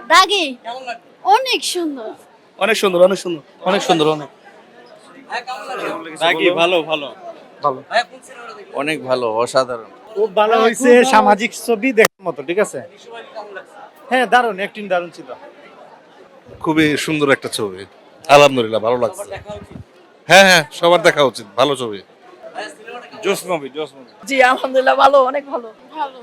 দাগি অনেক সুন্দর, অনেক সুন্দর, অনেক সুন্দর, অনেক সুন্দর, অনেক দাগি ভালো ভালো ভালো, অনেক ভালো, অসাধারণ। খুব ভালো হয়েছে, সামাজিক ছবি দেখার মতো। ঠিক আছে, হ্যাঁ দারুণ, অ্যাক্টিং দারুণ ছিল। খুবই সুন্দর একটা ছবি, আলহামদুলিল্লাহ ভালো লাগছে। হ্যাঁ হ্যাঁ, সবার দেখা উচিত, ভালো ছবি। জোস মুভি, জোস মুভি। জি আলহামদুলিল্লাহ ভালো, অনেক ভালো। ভালো,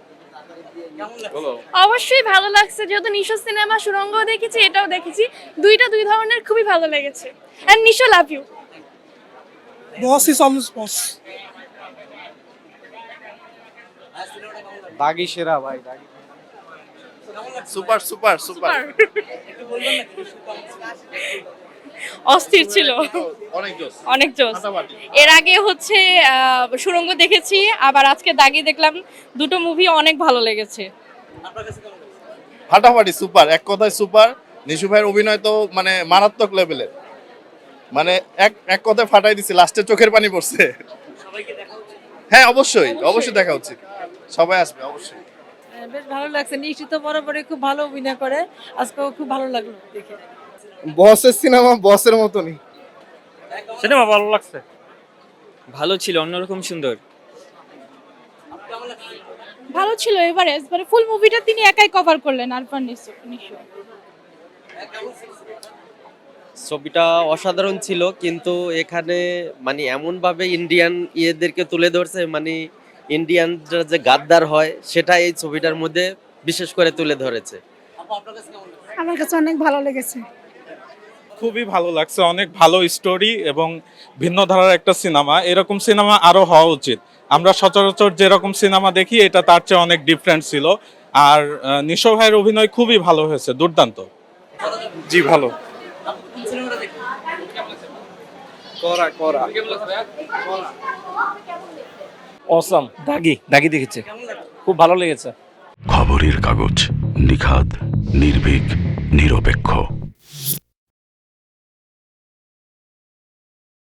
অবশ্যই ভালো লাগছে, যেহেতু নিশো সিনেমা সুরঙ্গ দেখেছি, এটাও দেখেছি, দুই ধরনের খুবই ভালো লেগেছে। And Nisho love you. Boss is always boss. Daagi সেরা ভাই, দাগি সুপার সুপার সুপার, অস্থির ছিল, অনেক জোস। অনেক জোস। এর আগে হচ্ছে সুরঙ্গ দেখেছি, আবার আজকে দাগি দেখলাম, দুটো মুভি অনেক ভালো লেগেছে। ফাটাফাটি সুপার, এক কথায় সুপার। নিশু ভাইয়ের অভিনয় তো মানে মারাত্মক লেভেলের, মানে এক কথায় ফাটাই দিছে, লাস্টে চোখের পানি পড়ছে। হ্যাঁ অবশ্যই, অবশ্যই দেখা উচিত, সবাই আসবে অবশ্যই। বেশ ভালো লাগছে, নিশ্চিত বরাবরই খুব ভালো অভিনয় করে, আজকেও খুব ভালো লাগলো দেখে। বসের সিনেমা বসের মতনই। সিনেমা ভালো লাগছে। ভালো ছিল, অন্যরকম সুন্দর। ভালো ছিল, এবারে ফুল মুভিটা তিনি একাই কভার করলেন, আরফান নিশো। ছবিটা অসাধারণ ছিল, কিন্তু এখানে মানে এমন ভাবে ইন্ডিয়ান ইয়েদেরকে তুলে ধরছে, মানে ইন্ডিয়ানরা যে গাদ্দার হয় সেটা এই ছবিটার মধ্যে বিশেষ করে তুলে ধরেছে। আমার কাছে অনেক ভালো লেগেছে। খুবই ভালো লাগছে, অনেক ভালো স্টোরি এবং ভিন্ন ধারার একটা সিনেমা। এরকম সিনেমা আরো হওয়া উচিত। আমরা সচরাচর যেরকম সিনেমা দেখি, এটা তার চেয়ে অনেক ডিফারেন্ট ছিল। আর নিশো ভাইয়ের অভিনয় খুবই ভালো হয়েছে, দুর্দান্ত। জি ভালো। করা করা অসাম। দাগি দেখেছে, খুব ভালো লেগেছে। খবরের কাগজ, নিখাদ, নির্ভীক, নিরপেক্ষ।